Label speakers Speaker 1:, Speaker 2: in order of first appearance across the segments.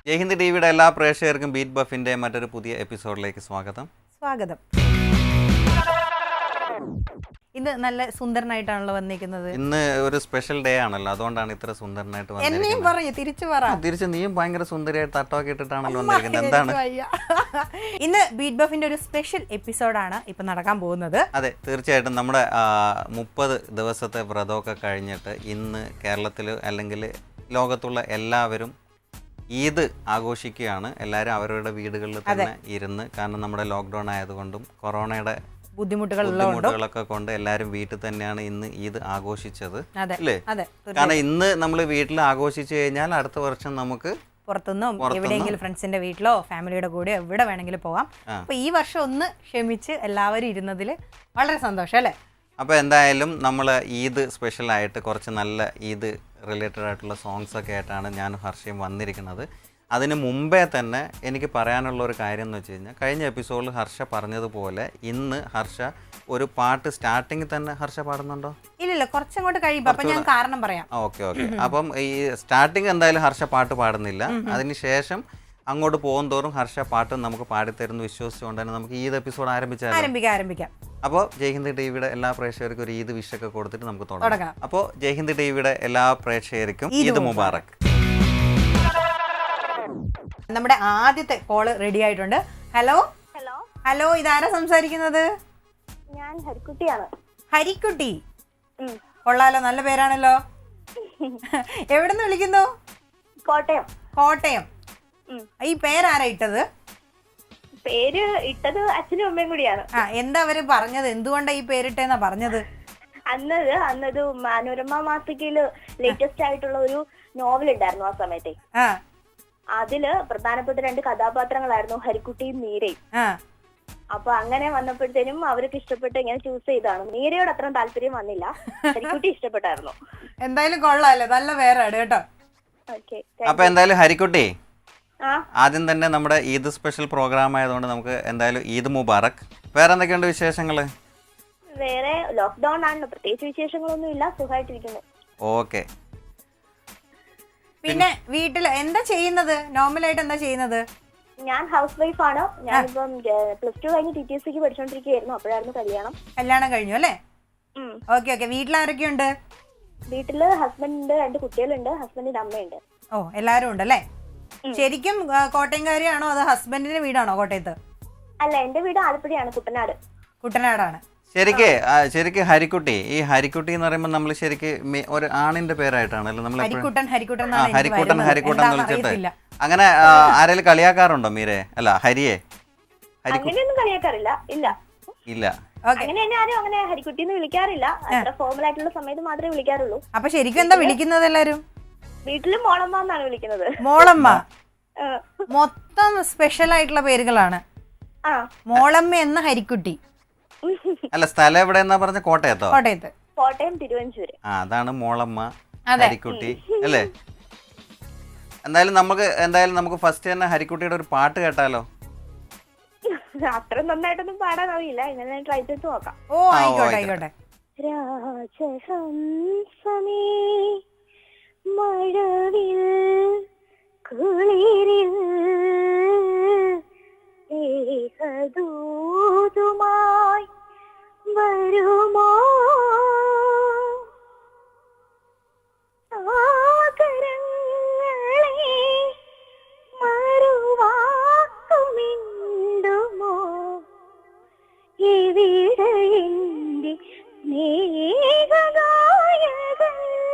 Speaker 1: ജയ്ഹിന്ദ് ടിവിയുടെ എല്ലാ പ്രേക്ഷകർക്കും ബീറ്റ് ബഫിന്റെ മറ്റൊരു പുതിയ എപ്പിസോഡിലേക്ക് സ്വാഗതം.
Speaker 2: ഇന്ന് നല്ല സുന്ദരനായിട്ടാണല്ലോ വന്നിരിക്കുന്നത്.
Speaker 1: ഇന്ന് ഒരു സ്പെഷ്യൽ ഡേ ആണല്ലോ, അതുകൊണ്ടാണ് ഇത്ര സുന്ദരനായിട്ട് വന്നിരിക്കുന്നത്. തിരിച്ച് നീയും ഭയങ്കര സുന്ദരിയായിട്ട് തട്ടമൊക്കെ ഇട്ടിട്ടാണല്ലോ വന്നിരിക്കുന്നത്. എന്താണ്
Speaker 2: ഇന്ന് ബീറ്റ് ബഫിന്റെ ഒരു സ്പെഷ്യൽ എപ്പിസോഡാണ് ഇപ്പൊ നടക്കാൻ പോകുന്നത്.
Speaker 1: അതെ, തീർച്ചയായിട്ടും നമ്മുടെ 30 ദിവസത്തെ വ്രതമൊക്കെ കഴിഞ്ഞിട്ട് ഇന്ന് കേരളത്തിൽ അല്ലെങ്കിൽ ലോകത്തുള്ള എല്ലാവരും ഈദ് ആഘോഷിക്കുകയാണ്. എല്ലാവരും അവരുടെ വീടുകളിൽ തന്നെ ഇരുന്ന്, കാരണം നമ്മുടെ ലോക്ക്ഡൗൺ ആയതുകൊണ്ടും കൊറോണയുടെ ബുദ്ധിമുട്ടുകളൊക്കെ കൊണ്ട് എല്ലാവരും വീട്ടിൽ തന്നെയാണ് ഇന്ന് ഈദ് ആഘോഷിച്ചത് അല്ലേ? കാരണം ഇന്ന് നമ്മൾ വീട്ടിൽ ആഘോഷിച്ചു കഴിഞ്ഞാൽ അടുത്ത വർഷം നമുക്ക്
Speaker 2: പുറത്തുനിന്നും എവിടെയെങ്കിലും ഫ്രണ്ട്സിന്റെ വീട്ടിലോ ഫാമിലിയുടെ കൂടെ എവിടെ വേണമെങ്കിലും പോവാം. അപ്പൊ ഈ വർഷം ഒന്ന് ക്ഷമിച്ച് എല്ലാവരും ഇരുന്നതിൽ വളരെ സന്തോഷം അല്ലേ?
Speaker 1: അപ്പോൾ എന്തായാലും നമ്മൾ ഈദ് സ്പെഷ്യലായിട്ട് കുറച്ച് നല്ല ഈദ് റിലേറ്റഡ് ആയിട്ടുള്ള സോങ്സ് ഒക്കെ ആയിട്ടാണ് ഞാൻ ഹർഷയും വന്നിരിക്കുന്നത്. അതിന് മുമ്പേ തന്നെ എനിക്ക് പറയാനുള്ള ഒരു കാര്യം എന്ന് വെച്ച് കഴിഞ്ഞാൽ, കഴിഞ്ഞ എപ്പിസോഡിൽ ഹർഷ പറഞ്ഞതുപോലെ ഇന്ന് ഹർഷ ഒരു പാട്ട് സ്റ്റാർട്ടിങ്ങിൽ തന്നെ ഹർഷ പാടുന്നുണ്ടോ?
Speaker 2: ഇല്ല, കുറച്ചങ്ങോട്ട് കഴിയുമ്പോൾ അപ്പം ഞാൻ കാരണം പറയാം.
Speaker 1: ഓക്കെ. അപ്പം ഈ സ്റ്റാർട്ടിങ് എന്തായാലും ഹർഷ പാട്ട് പാടുന്നില്ല. അതിനുശേഷം അങ്ങോട്ട് പോകും തോറും ഹർഷ പാട്ട് നമുക്ക് പാടിത്തരുന്നു വിശ്വസിച്ചുകൊണ്ട് തന്നെ നമുക്ക് ഈദ് എപ്പിസോഡ്
Speaker 2: ആരംഭിക്കാം.
Speaker 1: അപ്പോൾ ജയ്ഹിന്ദ് ടിവിയുടെ എല്ലാ പ്രേക്ഷകർക്കും ഒരു ഈദ് വിഷൊക്കെ കൊടുത്തിട്ട് നമുക്ക് തുടങ്ങാം. അപ്പോൾ ജയ്ഹിന്ദ് ടിവിയുടെ എല്ലാ പ്രേക്ഷകർക്കും ഈദ് മുബാറക്.
Speaker 2: നമ്മുടെ ആദ്യത്തെ കോള് റെഡി ആയിട്ടുണ്ട്. ഹലോ, ഇതാരാ സംസാരിക്കുന്നത്?
Speaker 3: ഞാൻ ഹരിക്കുട്ടിയാണ്.
Speaker 2: ഹരിക്കുട്ടി, കൊള്ളാലോ, നല്ല പേരാണല്ലോ. എവിടെന്ന് വിളിക്കുന്നു? കോട്ടയം. ഈ പേരാരാ ഇട്ടത്?
Speaker 3: പേര് ഇട്ടത് അച്ഛനും അമ്മയും കൂടിയാണ്.
Speaker 2: എന്താ അവര് പറഞ്ഞത്? എന്തുകൊണ്ടാ ഈ പേരിട്ടെന്നാ പറഞ്ഞത്?
Speaker 3: അന്നത് മനോരമ മാസികയില് ലേറ്റസ്റ്റ് ആയിട്ടുള്ള ഒരു നോവൽ ഉണ്ടായിരുന്നു ആ സമയത്തെ. അതില് പ്രധാനപ്പെട്ട 2 കഥാപാത്രങ്ങളായിരുന്നു ഹരിക്കുട്ടിയും മീരയും. അപ്പൊ അങ്ങനെ വന്നപ്പോഴത്തേനും അവർക്ക് ഇഷ്ടപ്പെട്ട് ഇങ്ങനെ ചൂസ് ചെയ്താണ്. മീരയോട് അത്ര താല്പര്യം വന്നില്ല, ഹരിക്കുട്ടി ഇഷ്ടപ്പെട്ടായിരുന്നു.
Speaker 2: എന്തായാലും കൊള്ളാല്ലേ, നല്ല പേരാണ് കേട്ടോ.
Speaker 1: അപ്പൊ എന്തായാലും ഹരിക്കുട്ടി, ആദ്യം തന്നെ നമ്മുടെ ഈദ് സ്പെഷ്യൽ പ്രോഗ്രാം ആയതുകൊണ്ട് നമുക്ക് എന്തായാലും ഈദ് മുബാറക്. വേറെ എന്തൊക്കെയുണ്ട് വിശേഷങ്ങള്?
Speaker 3: വേറെ ലോക്ക്ഡൌൺ ആണ്, പ്രത്യേകിച്ച് വിശേഷങ്ങളൊന്നും ഇല്ല, സുഖമായിട്ടിരിക്കുന്നു.
Speaker 1: ഓക്കെ.
Speaker 2: പിന്നെ വീട്ടിൽ എന്താ ചെയ്യുന്നത്? നോർമലായിട്ട് എന്താ ചെയ്യുന്നത്?
Speaker 3: ഞാൻ ഹൗസ് വൈഫ് ആണ്. ഞാനിപ്പം +2 കഴിഞ്ഞ് TTSക്ക് പഠിച്ചോണ്ടിരിക്കുകയായിരുന്നു. അപ്പോഴായിരുന്നു കല്യാണം
Speaker 2: കഴിഞ്ഞു അല്ലേ? ഓക്കെ. വീട്ടിലാരൊക്കെയുണ്ട്?
Speaker 3: വീട്ടില് ഹസ്ബൻഡ് ഉണ്ട്, 2 കുട്ടികളുണ്ട്, ഹസ്ബൻഡിന്റെ അമ്മയുണ്ട്.
Speaker 2: എല്ലാരും ഉണ്ടല്ലേ? ശരിക്കും കോട്ടയംകാരിയാണോ അതോ ഹസ്ബൻഡിന്റെ വീടാണോ കോട്ടയത്ത്?
Speaker 3: അല്ല, എന്റെ വീട് ആലപ്പുഴയാണ്,
Speaker 2: കുട്ടനാടാണ്.
Speaker 1: ശരിക്ക് ഹരിക്കുട്ടി, ഈ ഹരിക്കുട്ടി എന്ന് പറയുമ്പോൾ നമ്മൾ ശരിക്ക് ഒരു ആണിന്റെ പേരായിട്ടാണല്ലോ നമ്മൾ ഹരിക്കുട്ടൻ വിളിച്ചിട്ട്. അങ്ങനെ ആരെങ്കിലും കളിയാക്കാറുണ്ടോ മീരെ? അല്ല, ഹരിയെ
Speaker 3: അങ്ങനെയൊന്നും കളിയാക്കാറില്ല.
Speaker 1: ഇല്ല.
Speaker 3: അങ്ങനെ ആരും അങ്ങനെ ഹരിക്കുട്ടിന്ന് വിളിക്കാറില്ല. അത്ര ഫോർമൽ ആയിട്ടുള്ള സമയത്ത് മാത്രമേ വിളിക്കാറുള്ളൂ.
Speaker 2: അപ്പൊ ശരിക്കും എന്താ വിളിക്കുന്നത് എല്ലാരും?
Speaker 3: വീട്ടില് മോളമ്മ എന്നാണ് വിളിക്കുന്നത്.
Speaker 2: മോളമ്മ മൊത്തം സ്പെഷ്യൽ ആയിട്ടുള്ള പേരുകളാണ്. മോളമ്മ എന്ന ഹരിക്കുട്ടി.
Speaker 1: അല്ല, സ്ഥലം എവിടെയെന്നാ പറഞ്ഞ?
Speaker 3: കോട്ടയം തിരുവഞ്ചൂര്.
Speaker 1: അതാണ് മോളമ്മ ഹരിക്കുട്ടി അല്ലേ? എന്തായാലും നമുക്ക് ഫസ്റ്റ് തന്നെ ഹരിക്കുട്ടിയുടെ ഒരു പാട്ട് കേട്ടാലോ?
Speaker 3: അത്ര നന്നായിട്ടൊന്നും പാടാൻ അറിയില്ല, ഇങ്ങനെ ട്രൈ ചെയ്ത് നോക്കാം.
Speaker 2: ആയിക്കോട്ടെ.
Speaker 3: രാജഹംസമേ മഴവിൽ കുളിരിൽ ഏകദൂതുമായി വരുമോ സാഗരങ്ങളെ മറുവാക്കുമിണ്ടുമോ ഇവിടെ എന്റെ സ്നേഹനായകൻ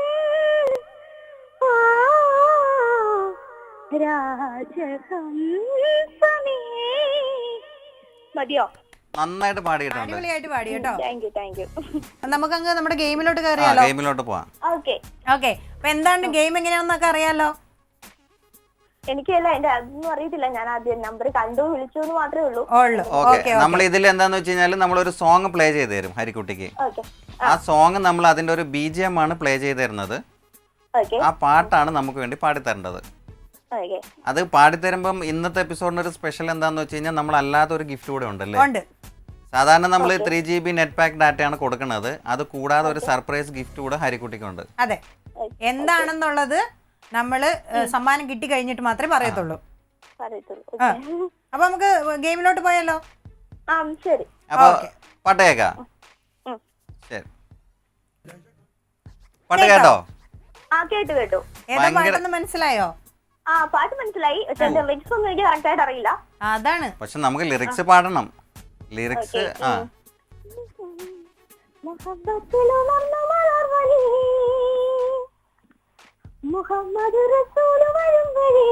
Speaker 3: രാജഹംസമേ. മതിയോ?
Speaker 1: നന്നായിട്ട് പാടിയിട്ടുണ്ട്.
Speaker 2: പാടി കേട്ടോ.
Speaker 3: Thank you.
Speaker 2: നമുക്കങ്ങ് നമ്മുടെ ഗെയിമിലോട്ട് കയറിയാലോ?
Speaker 1: ഗെയിമിലോട്ട് പോവാം.
Speaker 3: ഓക്കെ.
Speaker 2: അപ്പൊ എന്താണ് ഗെയിം എങ്ങനെയാണെന്നൊക്കെ അറിയാലോ?
Speaker 3: എനിക്കല്ല, എന്റെ അതൊന്നും അറിയത്തില്ല. ഞാൻ ആദ്യം നമ്പർ കണ്ടു വിളിച്ചു എന്ന് മാത്രമേ ഉള്ളൂ.
Speaker 1: നമ്മൾ ഇതിൽ എന്താന്ന് വെച്ച് കഴിഞ്ഞാൽ നമ്മളൊരു സോങ് പ്ലേ ചെയ്ത് തരും ഹരിക്കുട്ടിക്ക്. ആ സോങ് നമ്മൾ അതിന്റെ ഒരു BGM ആണ് പ്ലേ ചെയ്ത് തരുന്നത്. ആ പാട്ടാണ് നമുക്ക് വേണ്ടി പാടിത്തരേണ്ടത്. അത് പാടിത്തരുമ്പം ഇന്നത്തെ എപ്പിസോഡിന് ഒരു സ്പെഷ്യൽ എന്താന്ന് വെച്ച് കഴിഞ്ഞാൽ നമ്മൾ അല്ലാത്ത ഒരു ഗിഫ്റ്റ് കൂടെ ഉണ്ടല്ലേ? സാധാരണ നമ്മൾ 3GB നെറ്റ് പാക്ക് ഡാറ്റയാണ് കൊടുക്കുന്നത്. അത് കൂടാതെ ഒരു സർപ്രൈസ് ഗിഫ്റ്റ് കൂടെ ഹരിക്കുട്ടിക്കുണ്ട്.
Speaker 2: അതെ, എന്താണെന്നുള്ളത് നമ്മള് സമ്മാനം കിട്ടി കഴിഞ്ഞിട്ട് മാത്രമേ പറയത്തുള്ളൂ.
Speaker 3: പറയത്തുള്ളൂ.
Speaker 2: ആ.
Speaker 3: Okay.
Speaker 2: അപ്പൊ നമുക്ക് ഗെയിമിലോട്ട് പോയാലോ?
Speaker 3: ആ ശരി.
Speaker 1: അപ്പൊ
Speaker 2: Okay.
Speaker 1: പാട്ട് കേൾക്കാം.
Speaker 3: ഉം.
Speaker 1: ശരി, പാട്ട് കേട്ടോ?
Speaker 3: ആ കേട്ടു.
Speaker 2: ഏതാ
Speaker 1: ഭയങ്കര-
Speaker 2: പാട്ടെന്ന് മനസ്സിലായോ?
Speaker 3: ആ പാട്ട് മനസ്സിലായി. പക്ഷെ ലിറിക്സ് ഒന്നും എനിക്ക് കറക്റ്റ് ആയിട്ട് അറിയില്ല.
Speaker 2: അതാണ്.
Speaker 1: പക്ഷെ നമുക്ക് ലിറിക്സ് പാടണം. ലിറിക്സ് ആ
Speaker 3: മുഹബ്ബത്തിലുണർന്ന മലർവഴി, മുഹമ്മദ് റസൂല് വരും വഴി,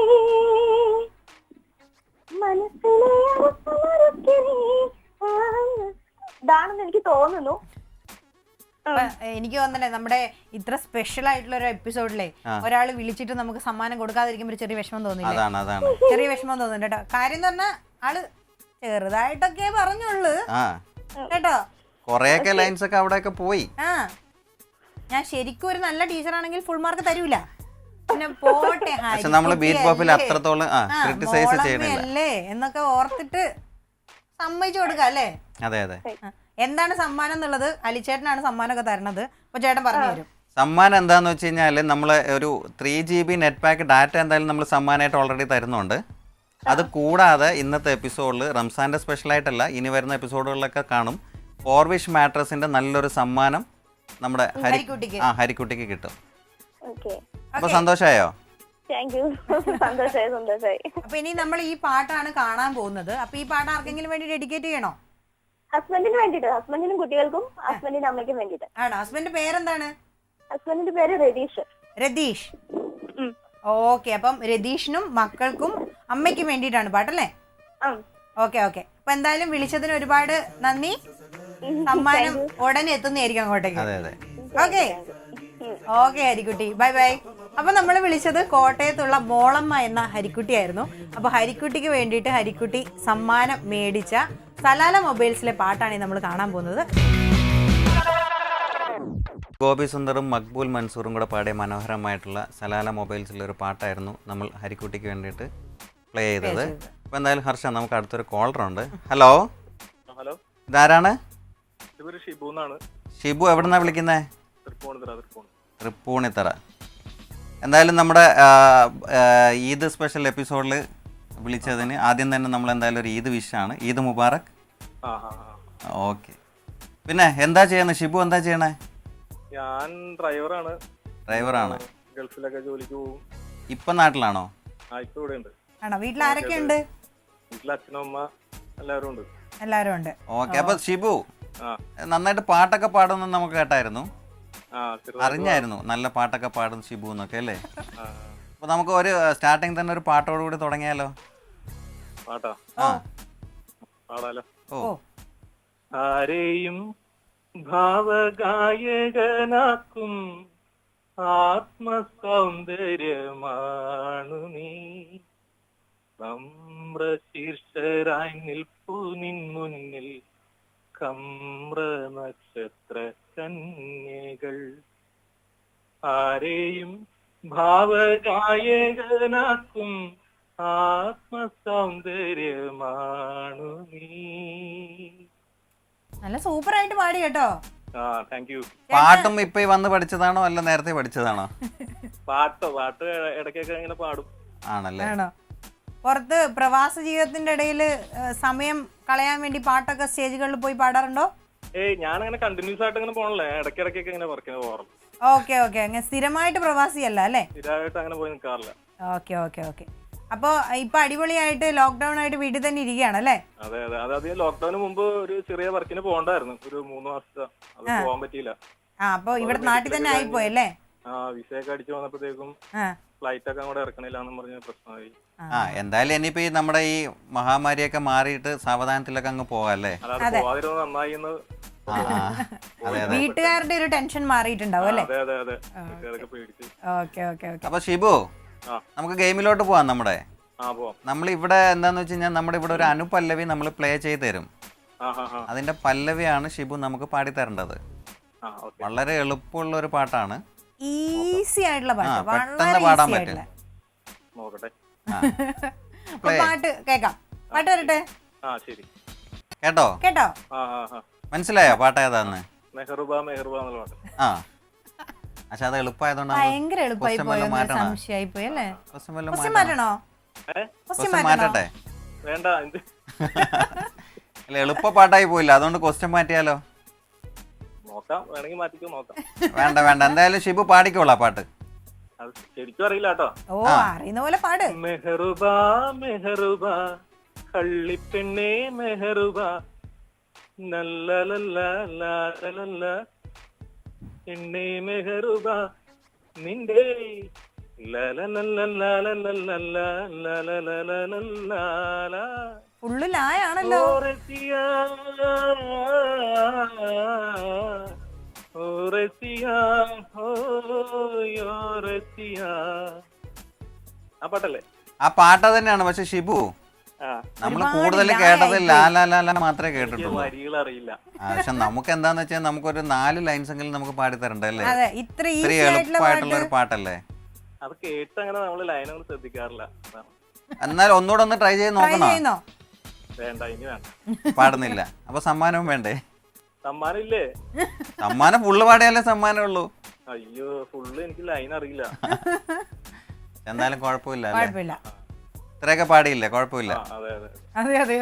Speaker 3: മനസ്സിലെ അവസ്ഥ ഇതാണെന്ന് എനിക്ക് തോന്നുന്നു.
Speaker 2: അപ്പൊ എനിക്ക് തോന്നണേ നമ്മുടെ ഇത്ര സ്പെഷ്യൽ ആയിട്ടുള്ള ഒരു എപ്പിസോഡിലെ ഒരാൾ വിളിച്ചിട്ട് നമുക്ക് സമ്മാനം കൊടുക്കാതിരിക്കുമ്പോ ഒരു ചെറിയ വിഷമം തോന്നില്ലേ?
Speaker 1: അതാണ്
Speaker 2: ചെറിയ വിഷമം തോന്നുന്നുണ്ട് കേട്ടോ. കാര്യം എന്ന് പറഞ്ഞാൽ ആള് ചെറുതായിട്ടൊക്കെ പറഞ്ഞുള്ളൂ
Speaker 1: ആ
Speaker 2: കേട്ടോ.
Speaker 1: കൊറേയൊക്കെ ലൈൻസ് ഒക്കെ അവിടെയൊക്കെ പോയി.
Speaker 2: ആ ഞാൻ ശരിക്കും ഒരു നല്ല ടീച്ചറാണെങ്കിൽ ഫുൾ മാർക്ക് തരൂല. പിന്നെ പോട്ടെ
Speaker 1: പക്ഷെ നമ്മള് ബീറ്റ് പോപ്പിൽ അത്രത്തോളം ക്രിട്ടിസൈസ് ചെയ്യണില്ല
Speaker 2: അല്ലേ എന്നൊക്കെ ഓർത്തിട്ട് സമ്മതിച്ചു കൊടുക്കാം അല്ലേ?
Speaker 1: അതെ അതെ.
Speaker 2: എന്താണ് സമ്മാനം എന്നുള്ളത് അലിച്ചേട്ടനാണ് സമ്മാനമൊക്കെ തരണത്. അപ്പൊ ചേട്ടൻ പറഞ്ഞു തരും.
Speaker 1: സമ്മാനം എന്താന്ന് വെച്ച് കഴിഞ്ഞാൽ നമ്മൾ ഒരു 3 GB നെറ്റ് പാക്ക് ഡാറ്റ എന്തായാലും നമ്മൾ സമ്മാനമായിട്ട് ഓൾറെഡി തരുന്നുണ്ട്. അത് കൂടാതെ ഇന്നത്തെ എപ്പിസോഡിൽ റംസാൻ്റെ സ്പെഷ്യലായിട്ടല്ല, ഇനി വരുന്ന എപ്പിസോഡുകളിലൊക്കെ കാണും, ഫോർവിഷ് മാട്രസിന്റെ നല്ലൊരു സമ്മാനം നമ്മുടെ ഹരിക്കുട്ടിക്ക് കിട്ടും. അപ്പൊ സന്തോഷമായോ?
Speaker 3: സന്തോഷായി.
Speaker 2: അപ്പൊ ഇനി നമ്മൾ ഈ പാട്ടാണ് കാണാൻ പോകുന്നത്. അപ്പൊ ഈ പാട്ട് ആർക്കെങ്കിലും വേണ്ടി ഡെഡിക്കേറ്റ് ചെയ്യണോ?
Speaker 3: ഹസ്ബൻഡിന് വേണ്ടിട്ട്, ഹസ്ബൻഡിനും കുട്ടികൾക്കും ഹസ്ബൻഡിന്റെ അമ്മയ്ക്കും വേണ്ടിട്ട്.
Speaker 2: ആണോ? ഹസ്ബൻഡിന്റെ പേരെന്താണ്?
Speaker 3: ഹസ്ബൻഡിന്റെ പേര് രതീഷ്.
Speaker 2: രതീഷ്. ഓക്കെ. അപ്പം രതീഷിനും മക്കൾക്കും അമ്മയ്ക്കും വേണ്ടിയിട്ടാണ് പാട്ടല്ലേ? ഓക്കെ. അപ്പൊ എന്തായാലും വിളിച്ചതിന് ഒരുപാട് നന്ദി. സമ്മാനം ഉടനെ എത്തുന്നതായിരിക്കും അങ്ങോട്ടേക്ക്. Okay Harikutty, bye bye. അപ്പൊ നമ്മൾ വിളിച്ചത് കോട്ടയത്തുള്ള മോളമ്മ എന്ന ഹരിക്കുട്ടിയായിരുന്നു. അപ്പൊ ഹരിക്കുട്ടിക്ക് വേണ്ടിയിട്ട് ഹരിക്കുട്ടി സമ്മാനം മേടിച്ച സലാല മൊബൈൽസിലെ പാട്ടാണ് നമ്മൾ കാണാൻ പോകുന്നത്.
Speaker 1: ഗോപി സുന്ദറും മക്ബൂൽ മൻസൂറും കൂടെ പാടിയ മനോഹരമായിട്ടുള്ള സലാല മൊബൈൽസിലൊരു പാട്ടായിരുന്നു നമ്മൾ ഹരിക്കുട്ടിക്ക് വേണ്ടിയിട്ട് പ്ലേ ചെയ്തത്. അപ്പോൾ എന്തായാലും ഹർഷ, നമുക്ക് അടുത്തൊരു കോളറുണ്ട്. ഹലോ, ഇതാരാണ്? ഷിബു. എവിടുന്നാ വിളിക്കുന്നേ? തൃപ്പൂണിത്തറ. എന്തായാലും നമ്മുടെ ഈദ് സ്പെഷ്യൽ എപ്പിസോഡിൽ വിളിച്ചതിന് ആദ്യം തന്നെ നമ്മൾ എന്തായാലും ഒരു ഈദ് വിഷാണ്. ഈദ് മുബാറക്. ഓക്കെ. പിന്നെ എന്താ ചെയ്യുന്നത് ഷിബു? എന്താ ചെയ്യണേ?
Speaker 4: ഞാൻ ഡ്രൈവറാണ്. ഗൾഫിലൊക്കെ ജോലിക്ക് പോകും.
Speaker 1: ഇപ്പൊ നാട്ടിലാണോ?
Speaker 4: ഇപ്പൊ ഇവിടെ ഉണ്ട്.
Speaker 2: ആണോ? വീട്ടിൽ ആരൊക്കെ ഉണ്ട്?
Speaker 4: വീട്ടിൽ അച്ഛനും അമ്മ എല്ലാവരും ഉണ്ട്.
Speaker 2: എല്ലാവരും ഉണ്ട്.
Speaker 1: ഓക്കെ. അപ്പൊ ഷിബു നന്നായിട്ട് പാട്ടൊക്കെ പാടുന്നു നമുക്ക് കേട്ടായിരുന്നു, അറിഞ്ഞായിരുന്നു നല്ല പാട്ടൊക്കെ പാടും ഷിബു എന്നൊക്കെ അല്ലേ? അപ്പൊ നമുക്ക് ഒരു സ്റ്റാർട്ടിങ് തന്നെ ഒരു പാട്ടോടുകൂടി തുടങ്ങിയാലോ?
Speaker 4: പാട്ടാ? പാടാലോ.
Speaker 1: ഓ.
Speaker 4: ആരെയും ഭാവഗായകനാക്കും ആത്മസൗന്ദര്യമാണു നീ, നമ്രശീർഷരായി നിൽപ്പു നിൻ മുന്നിൽ കമ്ര നക്ഷത്ര കന്യകൾ. ആരെയും ഭാവഗായകനാക്കും ആത്മസൗന്ദര്യമാണു നീ.
Speaker 2: നല്ല സൂപ്പർ ആയിട്ട് പാടി കേട്ടോ.
Speaker 4: Thank you.
Speaker 1: പാട്ടും ഇപ്പൊ വന്ന് പഠിച്ചതാണോ അല്ല നേരത്തെ പഠിച്ചതാണോ?
Speaker 4: പാട്ട് ഇടയ്ക്കൊക്കെ ഇങ്ങനെ പാടും.
Speaker 1: ആണല്ലേ?
Speaker 2: ആണോ? പുറത്ത് പ്രവാസ ജീവിതത്തിന്റെ ഇടയിൽ സമയം കളയാൻ വേണ്ടി പാട്ടൊക്കെ സ്റ്റേജുകളിൽ പോയി പാടാറുണ്ടോ?
Speaker 4: ഞാനങ്ങനെ കണ്ടിന്യൂസ് ആയിട്ട് അങ്ങനെ പോകണല്ലേ, ഇടയ്ക്കിടയ്ക്കൊക്കെ ഇങ്ങനെ വർക്കിന് പോകാറുണ്ട്.
Speaker 2: ഓക്കെ. അങ്ങനെ സ്ഥിരമായിട്ട് പ്രവാസിയല്ല അല്ലേ?
Speaker 4: സ്ഥിരമായിട്ട് അങ്ങനെ പോയി നിൽക്കാറില്ല.
Speaker 2: ഓക്കെ. അപ്പൊ ഇപ്പൊ അടിപൊളിയായിട്ട് ലോക്ക്ഡൌൺ ആയിട്ട് വീട്ടിൽ തന്നെ ഇരിക്കുകയാണല്ലേ?
Speaker 4: അതെ. അതായത് ലോക്ക്ഡൌണിന് മുമ്പ് ഒരു ചെറിയ വർക്കിന് പോകണ്ടായിരുന്നു, ഒരു 3 മാസത്തെ. അത് പോകാൻ പറ്റിയില്ല.
Speaker 2: അപ്പൊ ഇവിടെ നാട്ടിൽ തന്നെ ആയിപ്പോയല്ലേ?
Speaker 4: വിസയൊക്കെ അടിച്ചു വന്നപ്പോഴത്തേക്കും ഫ്ലൈറ്റ് ഒക്കെ അങ്ങോട്ട് ഇറക്കണില്ല എന്ന് പറഞ്ഞ പ്രശ്നമായി.
Speaker 1: എന്തായാലും ഇനിയിപ്പോ ഈ നമ്മുടെ ഈ മഹാമാരിയൊക്കെ മാറിയിട്ട് സാവധാനത്തിലൊക്കെ അങ്ങ് പോകാല്ലേ?
Speaker 4: അല്ലാതെ പോവാതിരുന്നത് നന്നായി എന്ന്.
Speaker 2: വീട്ടുകാരുടെ ഒരു ടെൻഷൻ മാറിയിട്ടുണ്ടാവും അല്ലേ?
Speaker 4: അതെ. വീട്ടുകാരൊക്കെ പേടിച്ച്.
Speaker 2: ഓക്കെ.
Speaker 1: അപ്പൊ ഷിബു, നമുക്ക് ഗെയിമിലോട്ട് പോവാം. നമ്മൾ ഇവിടെ എന്താന്ന് വെച്ച് കഴിഞ്ഞാൽ നമ്മുടെ ഇവിടെ ഒരു അനുപല്ലവി നമ്മൾ പ്ലേ ചെയ്ത് തരും. അതിന്റെ പല്ലവിയാണ് ഷിബു നമുക്ക് പാടിത്തരേണ്ടത്. വളരെ എളുപ്പമുള്ള ഒരു പാട്ടാണ്,
Speaker 2: ഈസി ആയിട്ടുള്ള പാട്ട്,
Speaker 1: പെട്ടെന്ന് പാടാൻ പറ്റും.
Speaker 2: പാട്ട് കേക്കാം. പാട്ട് വരട്ടെ.
Speaker 1: കേട്ടോ? മനസ്സിലായോ പാട്ട് ഏതാന്ന്? പക്ഷെ അത് എളുപ്പമായതുകൊണ്ട്
Speaker 2: ഭയങ്കര എളുപ്പമായി പോയോ? സംശയമായി പോയി അല്ലേ? മാറ്റണോ? ക്വസ്റ്റ്യൻ
Speaker 1: മാറ്റട്ടെ?
Speaker 4: വേണ്ട ഇത്
Speaker 1: അല്ല എളുപ്പ പാട്ടായി പോയില്ല, അതുകൊണ്ട് ക്വസ്റ്റ്യൻ മാറ്റിയാലോ?
Speaker 4: നോക്കാം, വേണമെങ്കിൽ മാറ്റിക്കോ, നോക്കാം.
Speaker 1: വേണ്ട വേണ്ട, എന്തായാലും ഷിബു പാടിക്കോളാം പാട്ട്.
Speaker 4: അത് ശരിക്കും അറിയില്ല കേട്ടോ.
Speaker 2: ഓ അറിയുന്ന പോലെ പാട്.
Speaker 4: മെഹറുബാ മെഹറുബാ കള്ളിപ്പെണ്ണേ മെഹറുബാ നല്ലലല്ല എണ്ണേ മെഹറുബാ നിന്റെ
Speaker 2: ഫുള്ള് ലായാണല്ലോ.
Speaker 4: ആ പാട്ടല്ലേ?
Speaker 1: ആ പാട്ട് തന്നെയാണ്, പക്ഷെ ഷിബു നമ്മൾ കൂടുതൽ കേട്ടത് ലാലാലാല മാത്രമേ കേട്ടിട്ടുള്ളൂ.
Speaker 4: വരികൾ അറിയില്ല.
Speaker 1: പക്ഷെ നമുക്ക് എന്താന്ന് വെച്ചാൽ നമുക്കൊരു 4 ലൈൻസ് എങ്കിലും നമുക്ക് പാടി തരണ്ടേ അല്ലേ?
Speaker 2: അതെ, ഇത്ര
Speaker 1: എളുപ്പമായിട്ടുള്ള ഒരു പാട്ടല്ലേ
Speaker 4: അത്. കേട്ട് അങ്ങനെ നമ്മള് ലൈനൊന്നും ശ്രദ്ധിക്കാറില്ല.
Speaker 1: എന്നാലും ഒന്നുകൂടെ ഒന്ന് ട്രൈ ചെയ്ത് നോക്കണോ?
Speaker 4: വേണ്ട, ഇനി വേണ്ട.
Speaker 1: പാടുന്നില്ല, അപ്പൊ സമ്മാനവും വേണ്ടേ?
Speaker 4: സമ്മാനം ഇല്ലേ?
Speaker 1: സമ്മാനം ഫുള്ള് പാടിയാലേ സമ്മാനം ഉള്ളൂ.
Speaker 4: അയ്യോ, ഫുള്ള് എനിക്ക് ലൈൻ അറിയില്ല.
Speaker 1: എന്നാലും കുഴപ്പമില്ല,
Speaker 2: കുഴപ്പമില്ല,
Speaker 1: ഇത്രയൊക്കെ പാടിയില്ലേ? കുഴപ്പമില്ല.
Speaker 4: അതെ അതെ
Speaker 2: അതെ അതെ.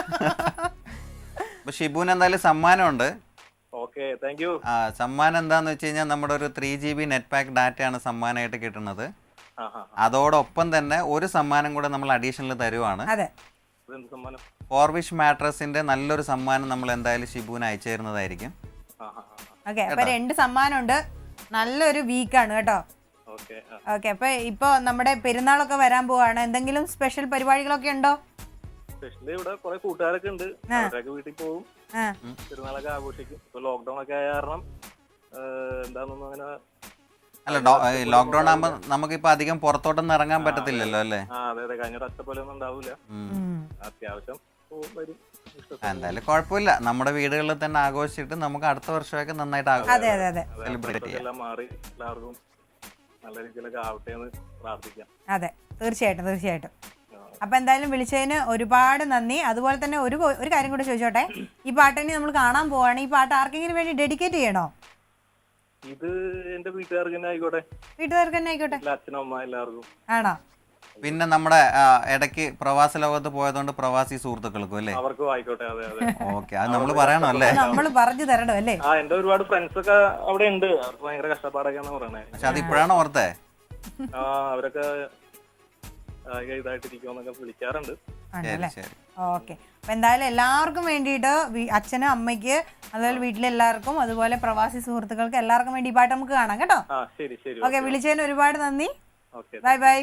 Speaker 1: അപ്പൊ ഷിബുവിന് എന്തായാലും സമ്മാനമുണ്ട്.
Speaker 4: Okay, thank you.
Speaker 1: സമ്മാനം എന്താന്ന് വെച്ച് കഴിഞ്ഞാൽ നമ്മുടെ ഒരു 3 GB നെറ്റ് പാക്ക് ഡാറ്റയാണ് സമ്മാനമായിട്ട് കിട്ടുന്നത്. അതോടൊപ്പം തന്നെ ഒരു സമ്മാനം കൂടെ നമ്മൾ അഡീഷണൽ തരുവാണ്. ഫോർവിഷ് മാട്രസിന്റെ നല്ലൊരു സമ്മാനം നമ്മൾ എന്തായാലും ഷിബുവിന് അയച്ചു തരുന്നതായിരിക്കും.
Speaker 2: ഓക്കെ, അപ്പൊ 2 സമ്മാനമുണ്ട്. നല്ലൊരു വീക്കാണ് കേട്ടോ. ഓക്കെ, അപ്പൊ ഇപ്പൊ നമ്മുടെ പെരുന്നാളൊക്കെ വരാൻ പോവാണ്. എന്തെങ്കിലും സ്പെഷ്യൽ പരിപാടികളൊക്കെ ഉണ്ടോ?
Speaker 4: സ്പെഷ്യലി ഇവിടെ കുറെ കൂട്ടുകാരൊക്കെ ഉണ്ട്, അവരൊക്കെ വീട്ടിൽ പോകും, പെരുന്നാളൊക്കെ ആഘോഷിക്കും. ഇപ്പൊ ലോക്ക്ഡൌൺ ഒക്കെ ആയ കാരണം എന്താണെന്നൊന്നും അങ്ങനെ.
Speaker 1: അല്ല, ലോക്ക്ഡൌൺ ആകുമ്പോ നമുക്കിപ്പോ അധികം പുറത്തോട്ടൊന്നും ഇറങ്ങാൻ പറ്റത്തില്ലല്ലോ അല്ലേ?
Speaker 4: അതെ അതെ, കഴിഞ്ഞ ഒറ്റ പോലെ ഒന്നും ഉണ്ടാവില്ല. അത്യാവശ്യം വരും.
Speaker 1: എന്തായാലും കുഴപ്പമില്ല, നമ്മുടെ വീടുകളിൽ തന്നെ ആഘോഷിച്ചിട്ട് നമുക്ക് അടുത്ത വർഷമൊക്കെ നന്നായിട്ട് സെലിബ്രേറ്റ് ചെയ്യാം.
Speaker 4: എല്ലാം മാറി എല്ലാവർക്കും നല്ല രീതിയിലൊക്കെ ആവട്ടെ എന്ന് പ്രാർത്ഥിക്കാം.
Speaker 2: അതെ, തീർച്ചയായിട്ടും തീർച്ചയായിട്ടും. അപ്പൊ എന്തായാലും വിളിച്ചതിന് ഒരുപാട് നന്ദി. അതുപോലെ തന്നെ ഒരു കാര്യം കൂടെ ചോദിച്ചോട്ടെ, ഈ പാട്ടിനെ നമ്മൾ കാണാൻ പോവാണ്. ഈ പാട്ട് ആർക്കെങ്കിലും വേണ്ടി ഡെഡിക്കേറ്റ് ചെയ്യണോ?
Speaker 4: ഇത് എന്റെ വീട്ടുകാർക്ക് തന്നെ ആയിക്കോട്ടെ.
Speaker 2: വീട്ടുകാർക്ക് തന്നെ ആയിക്കോട്ടെ,
Speaker 4: അച്ഛനും അമ്മ എല്ലാവർക്കും.
Speaker 2: ആണോ?
Speaker 1: പിന്നെ നമ്മുടെ ഇടയ്ക്ക് പ്രവാസ ലോകത്ത് പോയതുകൊണ്ട് പ്രവാസി സുഹൃത്തുക്കൾക്കും അല്ലേ?
Speaker 4: അവർക്കും ആയിക്കോട്ടെ. അതെ അതെ.
Speaker 1: ഓക്കെ, അത് നമ്മൾ പറയണോ അല്ലേ?
Speaker 2: നമ്മൾ പറഞ്ഞു തരണോ അല്ലേ?
Speaker 4: എന്റെ ഒരുപാട് ഫ്രണ്ട്സ് ഒക്കെ അവിടെ ഉണ്ട്, അവർക്ക് ഭയങ്കര കഷ്ടപ്പാടൊക്കെയാന്ന് പറയണേ.
Speaker 1: പക്ഷെ അത് ഇപ്പോഴാണ് ഓർത്തേ.
Speaker 4: അവരൊക്കെ ഇതായിട്ടിരിക്കുമെന്നൊക്കെ വിളിക്കാറുണ്ട്.
Speaker 2: ഓക്കെ, അപ്പൊ എന്തായാലും എല്ലാവർക്കും വേണ്ടിയിട്ട് അച്ഛനും അമ്മയ്ക്ക് അതുപോലെ വീട്ടിലെല്ലാവർക്കും അതുപോലെ പ്രവാസി സുഹൃത്തുക്കൾക്ക് എല്ലാവർക്കും വേണ്ടി ഈ പാട്ട് നമുക്ക് കാണാം കേട്ടോ. ഓക്കെ, വിളിച്ചതിന് ഒരുപാട് നന്ദി. Bye bye.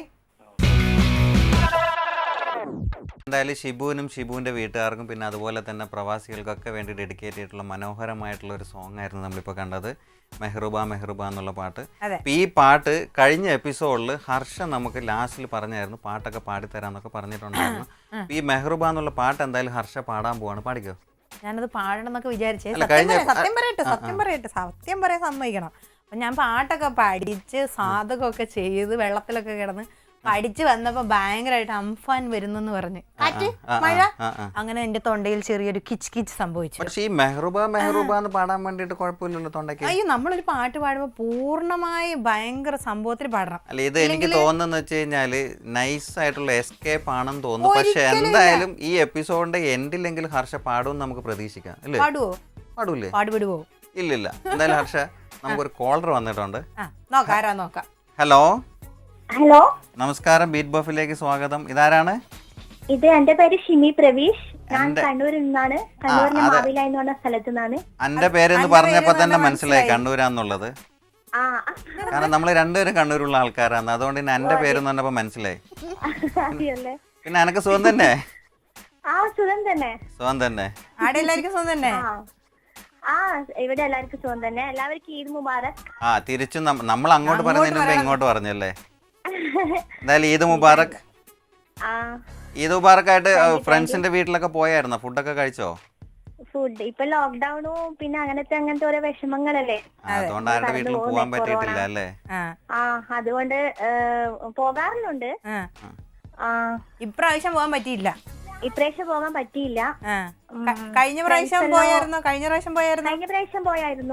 Speaker 1: എന്തായാലും ഷിബുവിനും ഷിബുവിൻ്റെ വീട്ടുകാർക്കും പിന്നെ അതുപോലെ തന്നെ പ്രവാസികൾക്കൊക്കെ വേണ്ടി ഡെഡിക്കേറ്റ് ചെയ്തിട്ടുള്ള മനോഹരമായിട്ടുള്ള ഒരു സോങ് ആയിരുന്നു നമ്മളിപ്പോൾ കണ്ടത്, മെഹ്റുബ മെഹ്റുബ എന്നുള്ള പാട്ട്. അപ്പം ഈ പാട്ട് കഴിഞ്ഞ എപ്പിസോഡിൽ ഹർഷ നമുക്ക് ലാസ്റ്റിൽ പറഞ്ഞായിരുന്നു പാട്ടൊക്കെ പാടിത്തരാന്നൊക്കെ പറഞ്ഞിട്ടുണ്ടായിരുന്നു. ഈ മെഹ്റുബ എന്നുള്ള പാട്ട് എന്തായാലും ഹർഷ പാടാൻ പോവാണ്. പാടിക്കോ?
Speaker 2: ഞാനത് പാടണം എന്നൊക്കെ വിചാരിച്ചേ. സത്യം പറയാൻ സമ്മതിക്കണം. അപ്പം ഞാൻ പാട്ടൊക്കെ പഠിച്ച് സാധകമൊക്കെ ചെയ്ത് വെള്ളത്തിലൊക്കെ കിടന്ന് പഠിച്ചു വന്നപ്പോ ഭയങ്കരമായിട്ട് അംഫാൻ വരുന്നെന്ന് പറഞ്ഞ് കാറ്റ് മഴ അങ്ങനെ എന്റെ തൊണ്ടയിൽ ചെറിയൊരു കിച്ച് കിച്ച് സംഭവിച്ചു.
Speaker 1: പക്ഷേ ഈ മെഹ്റുബ മെഹ്റുബ എന്ന് പാടാൻ വേണ്ടിയിട്ട് കുഴപ്പമില്ലല്ലോ തൊണ്ടയ്ക്ക്?
Speaker 2: അയ്യോ, നമ്മളൊരു പാട്ട് പാടുമ്പോൾ പൂർണ്ണമായി ഭയങ്കര സംഭവത്തിൽ പാടണം.
Speaker 1: അല്ല, ഇത് എനിക്ക് തോന്നുന്നു വെച്ച് കഴിഞ്ഞാല് നൈസ് ആയിട്ടുള്ള എസ്കേപ്പ് ആണെന്ന് തോന്നുന്നു. പക്ഷെ എന്തായാലും ഈ എപ്പിസോഡിന്റെ എൻഡിലെങ്കിലും ഹർഷ പാടുമെന്ന് നമുക്ക് പ്രതീക്ഷിക്കാം അല്ലേ?
Speaker 2: പാടുവോ?
Speaker 1: പാടൂലേ?
Speaker 2: പാടുപെടുവോ?
Speaker 1: ഇല്ലില്ല. എന്തായാലും ഹർഷ, നമുക്കൊരു കോളർ വന്നിട്ടുണ്ട്.
Speaker 2: നോക്കാം.
Speaker 1: ഹലോ
Speaker 3: ഹലോ,
Speaker 1: നമസ്കാരം, ബീറ്റ് ബഫിലേക്ക് സ്വാഗതം. ഇതാരാണ്?
Speaker 3: ഇത് എന്റെ പേര് ഷിമി പ്രവീഷ്. ഞാൻ കണ്ണൂരിൽ നിന്നാണ്. കണ്ണൂരിലെ മാവില എന്ന് പറഞ്ഞ സ്ഥലത്തു നിന്നാണ്.
Speaker 1: എന്റെ പേരെന്ന് പറഞ്ഞപ്പോ തന്നെ മനസ്സിലായി കണ്ണൂരാന്നുള്ളത്. കാരണം നമ്മൾ രണ്ടുപേരും കണ്ണൂരുള്ള ആൾക്കാരാണ്, അതുകൊണ്ട് തന്നെ എന്റെ പേരെന്ന് പറഞ്ഞപ്പോ മനസ്സിലായി. പിന്നെ എനക്ക് സുഖം തന്നെ?
Speaker 3: സുഖം തന്നെ.
Speaker 1: സുഖം തന്നെ.
Speaker 2: ആടെ എല്ലാവർക്കും സുഖം തന്നെ?
Speaker 3: ഇവിടെ എല്ലാവർക്കും സുഖം തന്നെ. എല്ലാവർക്കും ഈദ് മുബാറക്.
Speaker 1: തിരിച്ചും നമ്മൾ അങ്ങോട്ട് പറഞ്ഞതിന് മുമ്പ് ഇങ്ങോട്ട് പറഞ്ഞല്ലേ? എന്തായാലും ഈദ് മുബാറക്. ഈദ് മുബാറക് ആയിട്ട് ഫ്രണ്ട്സിന്റെ വീട്ടിലൊക്കെ പോയായിരുന്നോ? ഫുഡൊക്കെ കഴിച്ചോ?
Speaker 3: ഫുഡ് ഇപ്പൊ ലോക്ക്ഡൌണും പിന്നെ അങ്ങനത്തെ ഓരോ വിഷമങ്ങളല്ലേ,
Speaker 1: അതുകൊണ്ട് ആരുടെ വീട്ടിലും പോകാൻ പറ്റിയിട്ടില്ല അല്ലേ?
Speaker 3: അതുകൊണ്ട് പോകാറുണ്ട്.
Speaker 2: ഇപ്രാവശ്യം പോകാൻ പറ്റിയില്ല.
Speaker 3: ഇപ്രാവശ്യം പോകാൻ പറ്റിയില്ല.
Speaker 2: കഴിഞ്ഞ പ്രാവശ്യം പോയായിരുന്നു. കഴിഞ്ഞ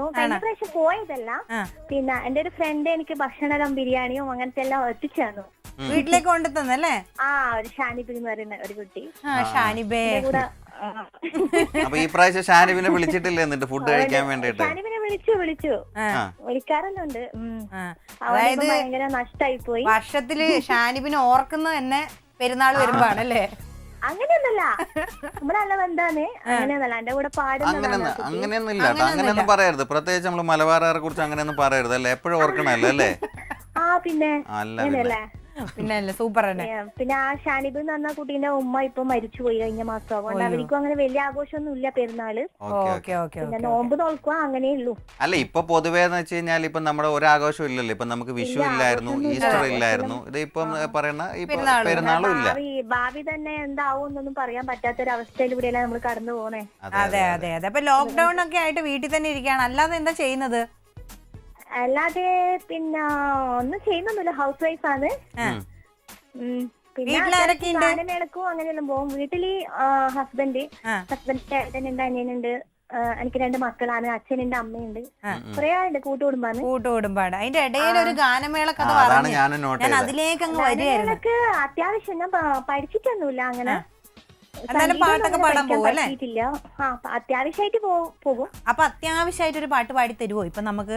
Speaker 3: പ്രാവശ്യം പോയതല്ല. പിന്നെ എന്റെ ഒരു ഫ്രണ്ട് എനിക്ക് ഭക്ഷണം ബിരിയാണിയും അങ്ങനത്തെ എല്ലാം എത്തിച്ചു തന്നു.
Speaker 2: വീട്ടിലേക്ക് കൊണ്ടു തന്നല്ലേ?
Speaker 3: ആ ഒരു ഷാനിബ് എന്ന് പറയുന്ന ഒരു കുട്ടി
Speaker 2: ഷാനിബേ.
Speaker 3: കൂടെ
Speaker 1: അപ്പൊ ഈ പ്രാവശ്യം ഷാനിബിനെ വിളിച്ചിട്ടില്ലേ എന്നിട്ട് ഫുഡ് കഴിക്കാൻ വേണ്ടിട്ട്?
Speaker 3: ഷാനിബിനെ വിളിച്ചു വിളിക്കാറല്ലുണ്ട്.
Speaker 2: അതായത്
Speaker 3: ഭയങ്കര നഷ്ടായി പോയി.
Speaker 2: വർഷത്തില് ഷാനിബിനെ ഓർക്കുന്നത് തന്നെ പെരുന്നാൾ വരുമ്പോഴാണല്ലേ?
Speaker 3: അങ്ങനെയൊന്നല്ല, നമ്മുടെ നല്ല ബന്ധാണ്. അങ്ങനെയൊന്നല്ല, എന്റെ കൂടെ പാടുന്നതാണ്.
Speaker 1: അങ്ങനെയൊന്നും ഇല്ല കേട്ടോ, അങ്ങനെയൊന്നും പറയരുത്. പ്രത്യേകിച്ച് നമ്മള് മലബാറുകാരെ കുറിച്ച് അങ്ങനെയൊന്നും പറയരുത് അല്ലേ? എപ്പോഴും ഓർക്കണല്ലോ അല്ലേ?
Speaker 3: പിന്നെ അങ്ങനെയല്ലേ?
Speaker 2: പിന്നെ സൂപ്പർ തന്നെ.
Speaker 3: പിന്നെ ആ ഷാനിബ് എന്ന് പറഞ്ഞ കുട്ടീന്റെ ഉമ്മ ഇപ്പൊ മരിച്ചുപോയി കഴിഞ്ഞ മാസം. അതുകൊണ്ട് അവർക്കും അങ്ങനെ വലിയ ആഘോഷമൊന്നും ഇല്ല പെരുന്നാള്. പിന്നെ നോമ്പ് നോക്കുക അങ്ങനെയേ ഉള്ളൂ.
Speaker 1: അല്ല ഇപ്പൊ പൊതുവേ എന്ന് വെച്ച് കഴിഞ്ഞാൽ ഇപ്പൊ നമ്മുടെ ഒരു ആഘോഷം ഇല്ലല്ലോ. ഇപ്പൊ നമുക്ക് വിഷു ഇല്ലായിരുന്നു, ഈസ്റ്റർ ഇല്ലായിരുന്നു, ഇത് ഇപ്പം പറയുന്ന പെരുന്നാളും ഇല്ല.
Speaker 3: ഭാവി തന്നെ എന്താവും എന്നൊന്നും പറയാൻ പറ്റാത്തൊരവസ്ഥയിലൂടെയല്ല നമ്മൾ കടന്നു പോണേ.
Speaker 2: അതെ അതെ അതെ. അപ്പൊ ലോക്ക്ഡൌൺ ഒക്കെ ആയിട്ട് വീട്ടിൽ തന്നെ ഇരിക്കുകയാണ്, അല്ലാതെ എന്താ ചെയ്യുന്നത്?
Speaker 3: അല്ലാതെ പിന്നെ ഒന്നും ചെയ്യുന്നൊന്നുമില്ല, ഹൗസ് വൈഫാണ്. പിന്നെ ഗാനമേളക്കും അങ്ങനെയെല്ലാം പോകും. വീട്ടില് ഹസ്ബൻഡിന്റെ ഏട്ടനുണ്ട്, അനിയനുണ്ട്, എനിക്ക് 2 മക്കളാണ്, അച്ഛനുണ്ട്, അമ്മയുണ്ട്, കുറെ ആളുണ്ട്.
Speaker 2: കൂട്ടുകുടുംബാണ്. അതിന്റെ ഇടയിൽ ഒരു ഗാനമേള കഥ പറഞ്ഞു, ഞാൻ അതിലേക്ക് അങ്ങ് വരികയായിരുന്നു.
Speaker 3: അത്യാവശ്യം ഞാൻ പഠിച്ചിട്ടൊന്നുമില്ല അങ്ങനെ.
Speaker 2: പാട്ടൊക്കെ പാടാൻ പോകും അല്ലേ?
Speaker 3: അത്യാവശ്യമായിട്ട് പോകും.
Speaker 2: അപ്പൊ അത്യാവശ്യമായിട്ട് ഒരു പാട്ട് പാടി തരുവോ ഇപ്പൊ നമുക്ക്?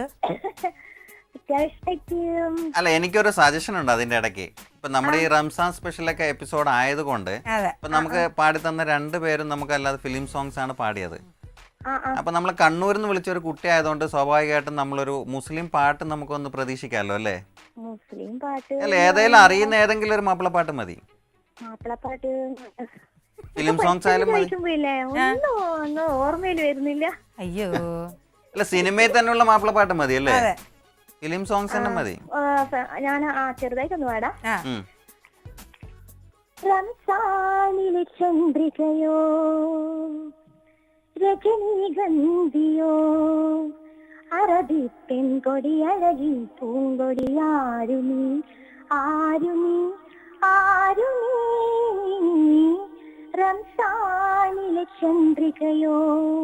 Speaker 1: അല്ല എനിക്കൊരു സജഷൻ ഉണ്ട് അതിന്റെ ഇടയ്ക്ക്. ഇപ്പൊ നമ്മുടെ ഈ റംസാൻ സ്പെഷ്യലൊക്കെ എപ്പിസോഡ് ആയതുകൊണ്ട് ഇപ്പൊ നമുക്ക് പാടി തന്ന 2 പേരും നമുക്ക് അല്ലാതെ ഫിലിം സോങ്സ് ആണ് പാടിയത്. അപ്പൊ നമ്മൾ കണ്ണൂരിൽ നിന്ന് വിളിച്ച ഒരു കുട്ടി ആയതുകൊണ്ട് സ്വാഭാവികമായിട്ടും നമ്മളൊരു മുസ്ലിം പാട്ട് നമുക്കൊന്ന് പ്രതീക്ഷിക്കാമല്ലോ അല്ലേ?
Speaker 3: മുസ്ലിം പാട്ട്
Speaker 1: അല്ല ഏതെങ്കിലും അറിയുന്ന ഏതെങ്കിലും ഒരു മാപ്പിളപ്പാട്ട് മതി.
Speaker 3: മാപ്പിളപ്പാട്ട്
Speaker 1: ഫിലിം സോങ്സ് ആയാലും മതി.
Speaker 3: ഓർമ്മയിൽ വരുന്നില്ല.
Speaker 2: അയ്യോ
Speaker 1: അല്ല സിനിമയിൽ തന്നെയുള്ള മാപ്പിളപ്പാട്ട് മതി അല്ലേ? ഫിലിം സോങ്സ് തന്നെ മതി.
Speaker 3: ഞാൻ ചെറുതായിട്ടൊന്ന് പാടാം. റംസാനിലെ ചന്ദ്രികയോ രജനീഗന്ധിയോ അറബി പെൺകൊടി അഴകി പൂങ്കൊടി ആരുമീ ആരുമീ ആരുമീ റംസാനിലെ ചന്ദ്രികയോ.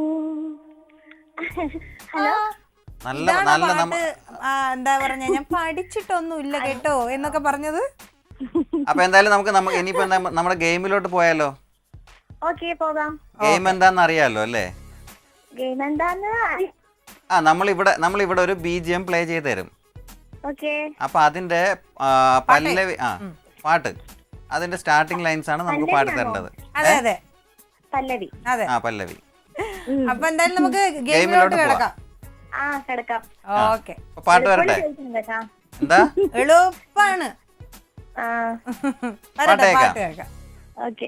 Speaker 3: ഹലോ
Speaker 1: നല്ല നല്ല
Speaker 2: എന്താ പറഞ്ഞ ഞാൻ പഠിച്ചിട്ടൊന്നും ഇല്ല കേട്ടോ എന്നൊക്കെ പറഞ്ഞത്.
Speaker 1: അപ്പൊ എന്തായാലും നമുക്ക് ഇനിയിപ്പോ നമ്മുടെ ഗെയിമിലോട്ട് പോയാലോ?
Speaker 3: ഓക്കേ പോകാം.
Speaker 1: ഗെയിം എന്താന്ന് അറിയാലോ അല്ലേ?
Speaker 3: ഗെയിം എന്താന്ന്
Speaker 1: നമ്മളിവിടെ ഒരു BGM പ്ലേ ചെയ്ത് തരും.
Speaker 3: ഓക്കേ.
Speaker 1: അപ്പൊ അതിന്റെ പല്ലവി പാട്ട് അതിന്റെ സ്റ്റാർട്ടിംഗ് ലൈൻസ് ആണ് നമുക്ക് പാടി തരേണ്ടത്.
Speaker 2: അതെ അതെ
Speaker 3: പല്ലവി.
Speaker 2: അതെ
Speaker 3: പല്ലവി.
Speaker 2: അപ്പൊ എന്തായാലും നമുക്ക് ഗെയിമിലോട്ട് കിടക്കാം.
Speaker 3: കിടക്കാം.
Speaker 2: ഓക്കെ
Speaker 1: പാട്ട് വരട്ടെ? എന്താ
Speaker 2: എളുപ്പാണ്.
Speaker 1: പാട്ട് കേൾക്കാം.
Speaker 3: ഓക്കെ.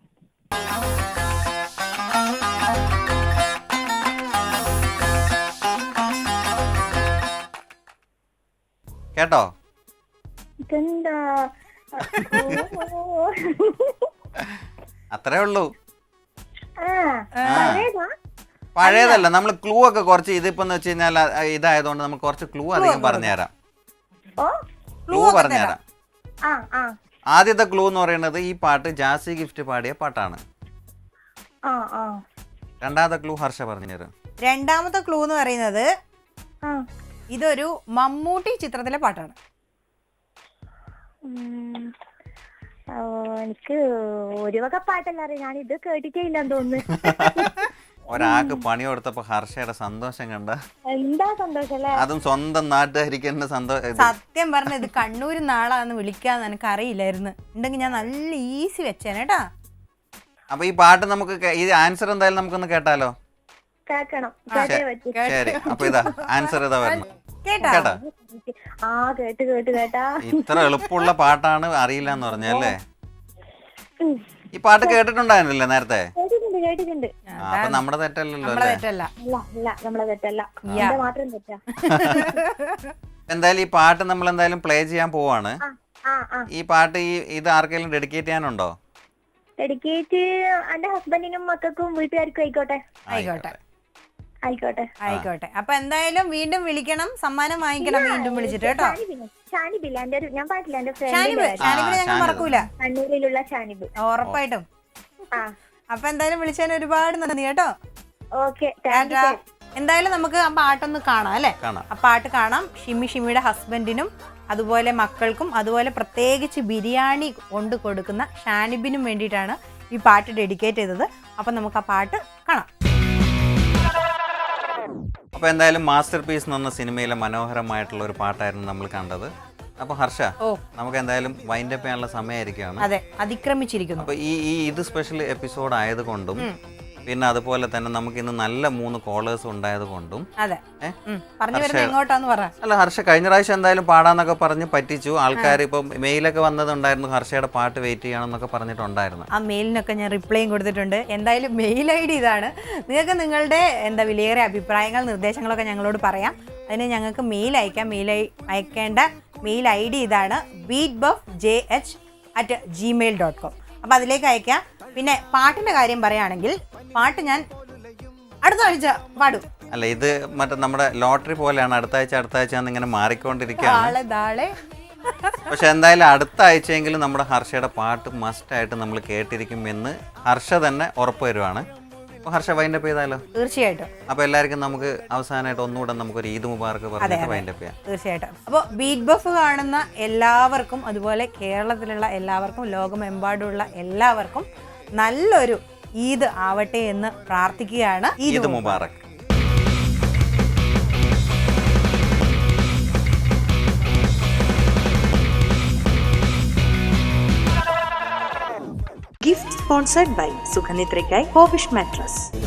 Speaker 1: കേട്ടോ? അത്രേ ഉള്ളൂ. പഴയതല്ല, നമ്മൾ ക്ലൂ ഒക്കെ കുറച്ച് ഇതിപ്പോന്ന് വെച്ച് കഴിഞ്ഞാൽ ഇതായതുകൊണ്ട് നമുക്ക് കുറച്ച് ക്ലൂ അധികം പറഞ്ഞുതരാം. ക്ലൂ പറഞ്ഞുതരാം. ആദ്യത്തെ ക്ലൂ എന്ന് പറയുന്നത് ഈ പാട്ട് ജാസി ഗിഫ്റ്റ് പാടിയ പാട്ടാണ്. രണ്ടാമത്തെ ക്ലൂ ഹർഷ പറഞ്ഞുതരും.
Speaker 2: രണ്ടാമത്തെ ക്ലൂ എന്ന് പറയുന്നത് ഇതൊരു മമ്മൂട്ടി ചിത്രത്തിലെ പാട്ടാണ്.
Speaker 3: എനിക്ക് ഒരു വക പാട്ടല്ല അറിയാം, ഞാൻ ഇത് കേട്ടിട്ടേ ഇല്ലെന്ന് തോന്നുന്നു.
Speaker 1: ഒരാൾക്ക് പണി കൊടുത്തപ്പോ ഹർഷയുടെ സന്തോഷം കണ്ട
Speaker 3: എന്താ സന്തോഷം,
Speaker 1: അതും സ്വന്തം നാട്ടുകാരിക്കുന്ന സന്തോഷം.
Speaker 2: സത്യം പറഞ്ഞ ഇത് കണ്ണൂർ നാളാന്ന് വിളിക്കാന്ന് എനിക്ക് അറിയില്ലായിരുന്നു, ഉണ്ടെങ്കിൽ ഞാൻ നല്ല ഈസി വെച്ചേനേട്ടാ.
Speaker 1: അപ്പൊ ഈ പാട്ട് നമുക്ക് ഈ ആൻസർ എന്തായാലും നമുക്കൊന്ന് കേട്ടാലോ?
Speaker 3: കേക്കണം.
Speaker 1: ശരി, അപ്പൊ ഇതാ ആൻസർ ഇതാ വരണം. കേട്ടാ? ഇത്ര എളുപ്പമുള്ള പാട്ടാണ് അറിയില്ല എന്ന് പറഞ്ഞല്ലേ? ഈ പാട്ട് കേട്ടിട്ടുണ്ടായിരുന്നില്ലേ നേരത്തെ? അപ്പൊ നമ്മുടെ തെറ്റല്ലല്ലോ എന്തായാലും ഈ പാട്ട് നമ്മൾ എന്തായാലും പ്ലേ ചെയ്യാൻ പോവാണ്. ഈ പാട്ട് ഇത് ആർക്കെങ്കിലും ഡെഡിക്കേറ്റ് ചെയ്യാനുണ്ടോ?
Speaker 3: ഡെഡിക്കേറ്റ് എന്റെ ഹസ്ബൻഡിനും മക്കൾക്കും വീട്ടുകാർക്കും ആയിക്കോട്ടെ. ആയിക്കോട്ടെ.
Speaker 2: അപ്പൊ എന്തായാലും വീണ്ടും വിളിക്കണം, സമ്മാനം വാങ്ങിക്കണം വീണ്ടും വിളിച്ചിട്ട് കേട്ടോ.
Speaker 3: ഷാനിബില്ല എന്റെ ഞാൻ പാട്ടില്ല, എന്റെ
Speaker 2: ഷാനിബിനെ ഞങ്ങൾ മറക്കൂല,
Speaker 3: കണ്ണൂരിലുള്ള ഷാനിബ്.
Speaker 2: ഉറപ്പായിട്ടും. അപ്പൊ എന്തായാലും വിളിച്ചതിന് ഒരുപാട് നന്ദി കേട്ടോ.
Speaker 3: ഓക്കെ,
Speaker 2: എന്തായാലും നമുക്ക് ആ പാട്ടൊന്ന് കാണാം അല്ലേ? ആ പാട്ട് കാണാം. ഷിമിയുടെ ഹസ്ബൻഡിനും അതുപോലെ മക്കൾക്കും അതുപോലെ പ്രത്യേകിച്ച് ബിരിയാണി കൊണ്ട് കൊടുക്കുന്ന ഷാനിബിനും വേണ്ടിയിട്ടാണ് ഈ പാട്ട് ഡെഡിക്കേറ്റ് ചെയ്തത്. അപ്പം നമുക്ക് ആ പാട്ട് കാണാം.
Speaker 1: അപ്പോൾ എന്തായാലും മാസ്റ്റർ പീസ് എന്ന് പറഞ്ഞ സിനിമയിലെ മനോഹരമായിട്ടുള്ള ഒരു പാട്ടായിരുന്നു നമ്മൾ കണ്ടത്. അപ്പോൾ ഹർഷ, നമുക്ക് എന്തായാലും വൈൻഡ് അപ്പ് ചെയ്യാനുള്ള സമയമായിരിക്കുകയാണ്.
Speaker 2: അതെ, അതിക്രമിച്ചിരിക്കുന്നു.
Speaker 1: അപ്പോൾ ഇത് സ്പെഷ്യൽ എപ്പിസോഡ് ആയതുകൊണ്ടും പിന്നെ അതുപോലെ തന്നെ നമുക്ക് ഇന്ന് നല്ല 3 കോളേഴ്സ് ഉണ്ടായത് കൊണ്ടും
Speaker 2: അതെ പറഞ്ഞു വരുന്നത് എങ്ങോട്ടാന്ന് പറ.
Speaker 1: അല്ല ഹർഷ, കഴിഞ്ഞ പ്രാവശ്യം എന്തായാലും പാടാന്നൊക്കെ പറഞ്ഞ് പറ്റിച്ചു ആൾക്കാർ. ഇപ്പം മെയിലൊക്കെ വന്നതുണ്ടായിരുന്നു, ഹർഷയുടെ പാട്ട് വെയിറ്റ് ചെയ്യണമെന്നൊക്കെ പറഞ്ഞിട്ടുണ്ടായിരുന്നു.
Speaker 2: ആ മെയിലിനൊക്കെ ഞാൻ റിപ്ലൈയും കൊടുത്തിട്ടുണ്ട്. എന്തായാലും മെയിൽ ID ഇതാണ്. നിങ്ങൾക്ക് നിങ്ങളുടെ വിലയേറിയ അഭിപ്രായങ്ങൾ നിർദ്ദേശങ്ങളൊക്കെ ഞങ്ങളോട് പറയാം. അതിന് ഞങ്ങൾക്ക് മെയിൽ അയക്കാം. അയക്കേണ്ട മെയിൽ ID ഇതാണ് beatbuffjh@gmail.com. അപ്പോൾ അതിലേക്ക് അയക്കാം. പിന്നെ പാട്ടിൻ്റെ കാര്യം പറയുകയാണെങ്കിൽ പാട്ട് ഞാൻ അടുത്ത ആഴ്ച പാടും.
Speaker 1: അല്ല, ഇത് മറ്റേ നമ്മുടെ ലോട്ടറി പോലെയാണ്, അടുത്ത ആഴ്ച ഇങ്ങനെ മാറിക്കൊണ്ടിരിക്കുകയാണ്. പക്ഷെ എന്തായാലും അടുത്ത ആഴ്ചയെങ്കിലും നമ്മുടെ ഹർഷയുടെ പാട്ട് മസ്റ്റായിട്ട് നമ്മൾ കേട്ടിരിക്കുമെന്ന് ഹർഷ തന്നെ ഉറപ്പ് വരുവാണ്. അപ്പോൾ ഹർഷ വൈൻഡ് അപ്പ് ചെയ്താലോ?
Speaker 2: തീർച്ചയായിട്ടും.
Speaker 1: അപ്പോൾ എല്ലാവർക്കും നമുക്ക് അവസാനമായിട്ട് ഒന്നുകൂടെ നമുക്കൊരു ഈദ് മുബാറക്ക് പറഞ്ഞിട്ട് വൈൻഡ് അപ്പ് ചെയ്യാം.
Speaker 2: തീർച്ചയായിട്ടും. അപ്പോൾ ബീറ്റ് ബഫ് കാണുന്ന എല്ലാവർക്കും അതുപോലെ കേരളത്തിലുള്ള എല്ലാവർക്കും ലോകമെമ്പാടുമുള്ള എല്ലാവർക്കും നല്ലൊരു ഈദ് ആവട്ടെ എന്ന് പ്രാർത്ഥിക്കുകയാണ്.
Speaker 1: ഈദ് മുബാറക്ക്.
Speaker 5: Gift sponsored by Sukhanitrekai Hovish Mattress.